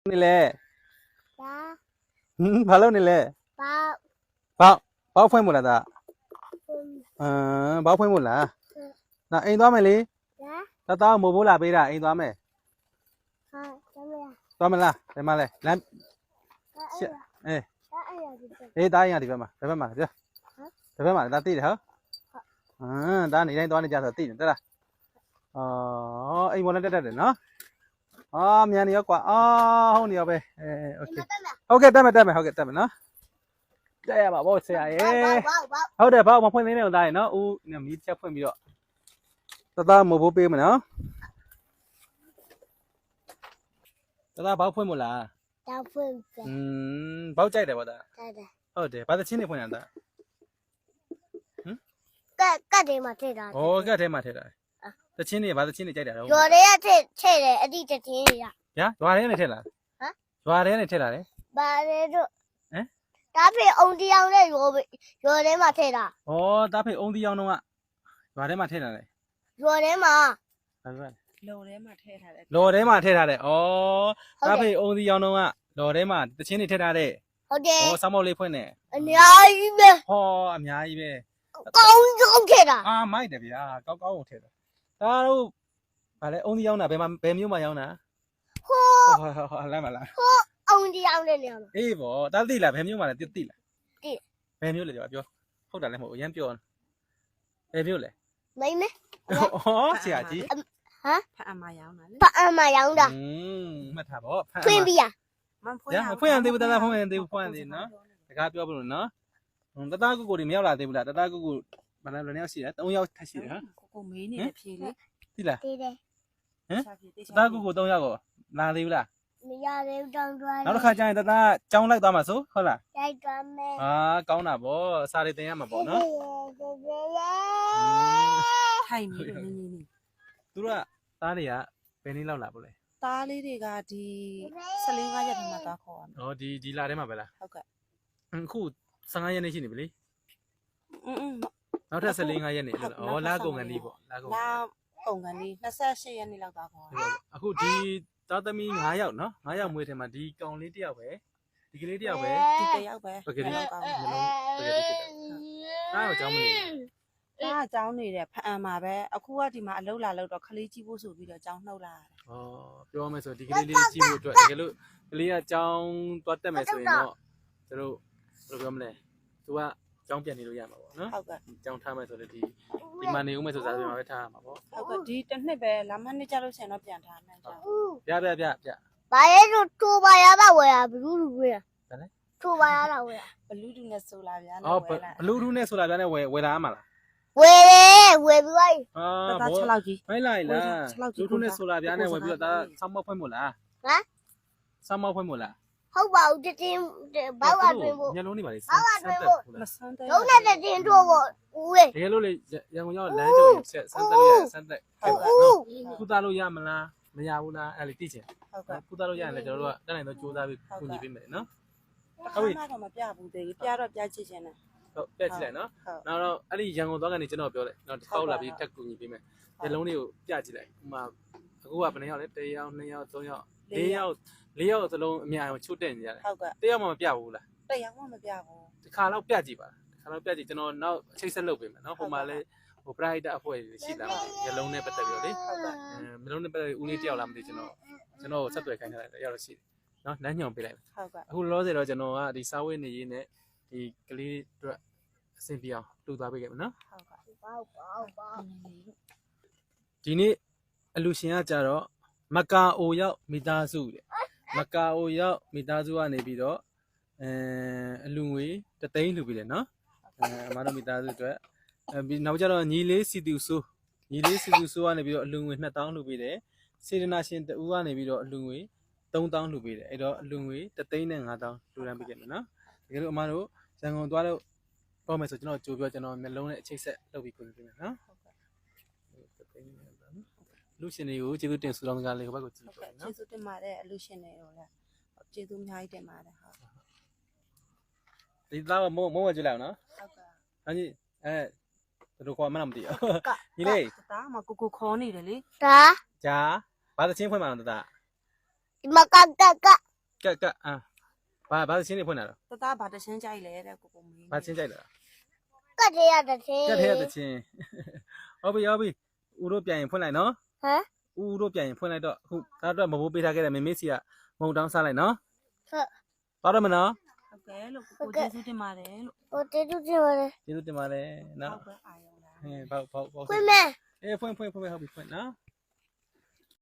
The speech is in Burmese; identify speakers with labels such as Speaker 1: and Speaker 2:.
Speaker 1: นี่แหละ
Speaker 2: จ้า
Speaker 1: ဘာလို့နေလဲ
Speaker 2: ป้า
Speaker 1: ဘောက်ဖွင့်မို့လားဒါ
Speaker 2: คุณ
Speaker 1: ဘောက်ဖွင့်မို့လားဒါအိမ်သွားမယ်လေ
Speaker 2: จ้า
Speaker 1: တသားမို့ဖို့လာပေးတာအိမ်သွားမယ်
Speaker 2: ค่ะจะไม่
Speaker 1: သွားမလားဒီမှာလဲလမ်း
Speaker 2: จะไอ้
Speaker 1: အေး
Speaker 2: จะไอ้ยาดิ
Speaker 1: အေးတားရင်ဒီဘက်မှာပြောဒီဘက်မှာဒါသိတယ်ဟုတ်ဒါနေတိုင်းသွားနေကြဆိုသိတယ်တက်လားအိမ်ပေါ်နဲ့တက်တယ်နော်မြန်နေရောကွာဟုတ်နေရောပဲโอเคဟုတ်ကဲ့တက်မယ်ဟုတ်ကဲ့တက်မယ်နော်တက်ရပါဘောဆရာရေ
Speaker 2: ว้าว
Speaker 1: ဟုတ်တယ်ဘောက်မဖွင့်သေးနဲ့ဦးသားရေနော်ဦးမီးချက်ဖွင့်ပြီးတော့တသားမို့ဖို့ပေးမယ်နော်တသားဘောက်ဖွင့်မို့လား
Speaker 2: จะฟื้นกัน
Speaker 1: ဘောက်ကြိုက်တယ်ဗောဒါ
Speaker 2: ได้
Speaker 1: ဟုတ်တယ်ဘာသချင်းနေဖွင့်ရတာ
Speaker 2: ก็เดี๋ยวมาเทได้
Speaker 1: ဩကတ်ထဲမှာထည့်တာသချင်းနေဘာသချင်းနေကြိုက်တာတော့
Speaker 2: อยู่ได้เทเลยอดีตทีนี่อ่ะ
Speaker 1: ညာရွာထဲနေထည့်လာရွာထဲနေထည့်လာတယ်
Speaker 2: บาเลยด้วยตาพี่องค์เดียวเนี่ยอยู่ได้มาเทได้
Speaker 1: ဩတားဖေအုံးတီအောင်တော့ကရွာထဲမှာထည့်လာတယ်
Speaker 2: อยู่ได้มา
Speaker 1: ဘာပြောလဲ
Speaker 3: လော်ထဲမှာထည့်ထားတယ်
Speaker 1: လော်ထဲမှာထည့်ထားတယ်ဩတားဖေအုံးတီအောင်တော့ကလော်ထဲမှာသချင်းနေထည့်ထားတယ်
Speaker 2: โอเค
Speaker 1: ဩစောင်းမောက်လေးဖွင့်နေ
Speaker 2: อันนี้ပဲ
Speaker 1: ဟောအများကြီးပဲ
Speaker 2: ကောင်းခဲ့တာ
Speaker 1: မိုက်တယ်ဗျာကောင်းကိုထည့်တာဒါတို့ဗာလဲအုံးတီအောင်တာဘယ်မျိုးမှာရောက်တာ
Speaker 2: ဟို
Speaker 1: ဟောလမ်းမလား
Speaker 2: အောင်ဒီအောင်တဲ့နေရာမှာ
Speaker 1: အေးဗောတားသိလားဘယ်မျိုးမှာလဲသိလား
Speaker 2: သိ
Speaker 1: ဘယ်မျိုးလဲပြောဟုတ်တာလည်းမဟုတ်အရင်ပြောဘယ်မျိုးလဲ
Speaker 2: မိမ့်မဲ
Speaker 1: ဆရာကြီး
Speaker 3: ဖတ်အမရောင်းတာလေ
Speaker 2: ပအမရောင်းတာ
Speaker 1: မှတ်ထားဗော
Speaker 2: ဖွင့်ပြရ
Speaker 3: မဖွ
Speaker 1: ရ
Speaker 3: င့်
Speaker 1: ဖွင့်ရသေးဘူးတသားဖွင့်ရသေးဘူးဖွင့်ရသေးနော်တကားပြောပြလို့နော်တသားကိုတွေမရောက်လာသေးဘူးလားတသားကိုဘာလဲဘယ်နှစ်ယောက်ရှိလဲ3ယောက်ထပ်ရှိတယ်ဟမ်
Speaker 3: ကိုမေးနေတဲ့ဖြေလေ
Speaker 1: သိလား
Speaker 2: တေးတယ်
Speaker 1: တသားကို3ယောက်ကိုလာသေးဘူးလား
Speaker 2: မရသေးတောင်းတွား
Speaker 1: နောက်တစ်ခါကျရင်တသားကြောင်းလိုက်သွားမှာဆိုဟုတ်လား
Speaker 2: တိုက်တွားမယ်
Speaker 1: ကောင်းတာဗောစာရီတင်ရမှာဗောနော်
Speaker 3: ထိုင်ပြီးတော့နင်းနေ
Speaker 1: သူတို့ကသားတွေကဘယ်နည်းလောက်လာဗောလဲ
Speaker 3: သားလေးတွေကဒီ15ရက်ထဲမှာသွားခေါ်ရမယ်
Speaker 1: ဒီလာထဲမှာပဲလား
Speaker 3: ဟုတ်ကဲ့
Speaker 1: အခု15ရက်နေရှိနေပြီလေ
Speaker 3: อืม
Speaker 1: နောက်ထပ်14ရက်နေလို့လာကုန်ကန်ဒီဗောလာကုန်
Speaker 3: လာကုန်ကန်ဒီ28ရက်နေ့လောက်သွားခေါ်ရမယ်
Speaker 1: အခုဒီသားသမီး9ယောက်နော်9ယောက်မွေးထဲမှာဒီကောင်လေးတစ်ယောက်ပဲဒီကလေးတစ်ယောက်ပဲ
Speaker 3: ဒီတယောက်ပဲ
Speaker 1: ပကတိ
Speaker 3: ကောင်း
Speaker 1: မျိုးလုံးပကတိဖြစ်တာအားကြောင်းမလို့
Speaker 3: တာအကြောင်းနေတဲ့ဖအံမှာပဲအခုကဒီမှာအလုပ်လာလို့တော့ခလေးကြီးဖို့ဆိုပြီးတော့အကြောင်းနှုတ်လာတယ်
Speaker 1: ပြောမယ်ဆိုဒီကလေးလေးကြည့်ဖို့အတွက်တကယ်လို့ကလေးကကြောင်းသွားတက်မယ်ဆိုရင်တော့သူတို့ဘယ်လိုပြောမလဲသူကကြောင်းပြန်နေလို့ရမှာပေါ့နော်
Speaker 3: ဟုတ်ကဲ့
Speaker 1: ကြောင်းထားမယ်ဆိုလည်းဒီမှာနေဦးမယ်ဆိုစားပြန်မှာပဲထားရမှာပေါ့
Speaker 3: ဟုတ်ကဲ့ဒီတစ်နှစ်ပဲလာမနှစ်ကြလို့ဆင်တော့ပြန်ထားမှန်းကြောင်း
Speaker 1: ပြ
Speaker 2: ဘာလဲတို့ထိုးပါရတာဝယ်ရဘူးလူဝယ်
Speaker 1: ဘာလဲ
Speaker 2: ထိုးပါရတာဝယ်ရ
Speaker 3: ဘလူးတူနဲ့ဆိုလာဗျာ
Speaker 1: ဘလူးထူးနဲ့ဆိုတာပြန်နဲ့ဝယ်လာမှာလား
Speaker 2: ဝယ်တယ်ဝယ်ပြီးသွားပြီ
Speaker 3: တာ6လောက်ကြီး
Speaker 1: မိုင်းလိုက်လားလူထူးနဲ့ဆိုတာပြန်နဲ့ဝယ်ပြီးတော့ဒါဆောင်းမောက်ဖွင့်မို့လားဆောင်းမောက်ဖွင့်မို့လား
Speaker 2: ဟုတ်ပါဘူးတင်းဘောက်ဝတွင်ဖို့
Speaker 1: ညလုံးနေပါလေ
Speaker 3: မဆန်းတဲ့
Speaker 2: လုံးနဲ့တင်းထိုးဖို့ဦးရဲ့
Speaker 1: တကယ်လို့လေရန်ကုန်ရောက်လမ်းကြုံဆက်စမ်းတက်လို့စမ်းတက်ကုသလို့ရမလားမရဘူးလားအဲ့လေသိချင်
Speaker 3: ဟုတ်ကဲ့
Speaker 1: ကုသလို့ရရင်လည်းကျွန်တော်တို့ကတက်နိုင်တော့ကြိုးစားပြီးကူညီပေးမယ်နော်
Speaker 3: ဟုတ်ပြီတော့မပြဘူးသေးပြတော့ပြချစ်ခြင်းနဲ့
Speaker 1: ဟုတ်ပြက်ကြည့်လိုက်နော်နောက်တော့အဲ့ဒီရန်ကုန်သွားကနေကျွန်တော်ပြောလိုက်နော်တစ်ခေါက်လာပြီးတက်ကူညီပေးမယ်ညလုံးလေးကိုပြကြည့်လိုက်ဥမာအခုကဘယ်နှယောက်လဲ1ယောက်2ယောက်3ယောက်4ယောက်4ယောက်စလုံးအများအောင်ချို့တက်နေရတယ်
Speaker 3: ဟုတ်ကဲ့
Speaker 1: 1ယောက်မှမပြဘူးလား
Speaker 3: တရားမှမပြဘူး
Speaker 1: ဒီခါတော့ပြကြည့်ပါခါတော့ပြကြည့်ကျွန်တော်နောက်အချိတ်ဆက်လုပ်ပေးမယ်နော်ဟိုမှာလဲဟို private အဖွဲ့ရှိလာတယ်ညလုံးနဲ့ပတ်သက်ပြီးတော့လေ
Speaker 3: ဟုတ်ကဲ့
Speaker 1: မလုံးနဲ့ပတ်သက်ဦးလေးတယောက်လားမသိကျွန်တော်ဆက်သွယ်ခိုင်းထားတယ်တယောက်တော့ရှိတယ်နော်လမ်းညွန်ပေးလိုက်
Speaker 3: ဟုတ်ကဲ့
Speaker 1: အခုလောဆယ်တော့ကျွန်တော်ကဒီစာဝတ်နေရေးနဲ့ဒီကလေးတို့အဆင်ပြေအောင်လှူသွားပေးခဲ့မယ်နော်
Speaker 3: ဟုတ်ကဲ့
Speaker 2: ဘောက်ဘောက်
Speaker 1: ဒီနေ့အလူရှင်ကကြတော့မကာအိုရောက်မိသားစုတဲ့မကာအိုရောက်မိသားစုကနေပြီးတော့အလူငွေ3သိန်းလှူပေးတယ်နော်အမတို့မိသားစုအတွက်ပြီးနောက်ကြတော့ညီလေးစီတူဆိုးကနေပြီးတော့အလူငွေ2000လှူပေးတယ်စေတနာရှင်တူကနေပြီးတော့အလူငွေ3000လှူပေးတယ်အဲ့တော့အလူငွေ3သိန်းနဲ့5000လှူဒန်းပေးခဲ့မယ်နော်တကယ်လို့အမတို့ရန်ကုန်သွားတော့ပေါ့မယ်ဆိုကျွန်တော်ကြိုပြောကျွန်တော်မျက်လုံးနဲ့အချိတ်ဆက်လုပ်ပြီးပြင်ပေးမယ်နော်လူရှင်တွေကိုကျေးဇူးတင်ဆုတောင်းကြလေးဟိုဘက်ကိုကြည့်
Speaker 3: ဟုတ်
Speaker 1: ပြ
Speaker 3: ကဲ့
Speaker 1: နော်
Speaker 3: ကျေးဇူးတင်ပါတယ်အလူရှင်တွေတော့လည်းကျေးဇူးအများကြီးတင်ပါတယ်ဟုတ်
Speaker 1: ဒီသားမုံဝဲကြည့်လိုက်အောင်နော်
Speaker 3: ဟုတ်ကဲ့
Speaker 1: ဟာကြီးသူတို့ခေါ်မှန်းမသိဘူးညီလေး
Speaker 3: တာမကိုခေါ်နေတယ်လေ
Speaker 2: ဒါ
Speaker 1: ဂျာဘာသချင်းဖွင့်မှန်းတော့တာ
Speaker 2: ဒီမှာက
Speaker 1: ကတ်အာဘာချင်းနေဖွင့်လာတော့
Speaker 3: တသားဘာတချင်းကြိုက်လဲတဲ့ကိုကိုမင်း
Speaker 1: ဘာချင်းကြိုက်လား
Speaker 2: ကတ်ရတဲ့ချင်း
Speaker 1: ကတ်ထဲရတဲ့ချင်းဟုတ်ပြီဦးတို့ပြန်ရင်ဖွင့်လိုက်နော်
Speaker 2: ဟမ်
Speaker 1: ဦးတို့ပြန်ရင်ဖွင့်လိုက်တော့အခုဒါတော့မဘိုးပေးထားခဲ့တဲ့မေမေစီကမုံတောင်းစားလိုက်နော်
Speaker 2: ဟုတ်
Speaker 1: ပါတော့မနော်
Speaker 3: ဟုတ်ကဲ့လို့ကိုကျေးဇူးတင်ပါတယ်လို့
Speaker 2: ဟိုတေးတူးချင်းပါလေ
Speaker 1: ကျေးဇူးတင်ပါတယ်နော်
Speaker 3: ဟုတ်ကဲ့အာရုံလား
Speaker 1: ဟင်းဘောက်
Speaker 2: ခွင့်မဲ
Speaker 1: အေးဖွင့်ဟုတ်ပြီဖွင့်နော်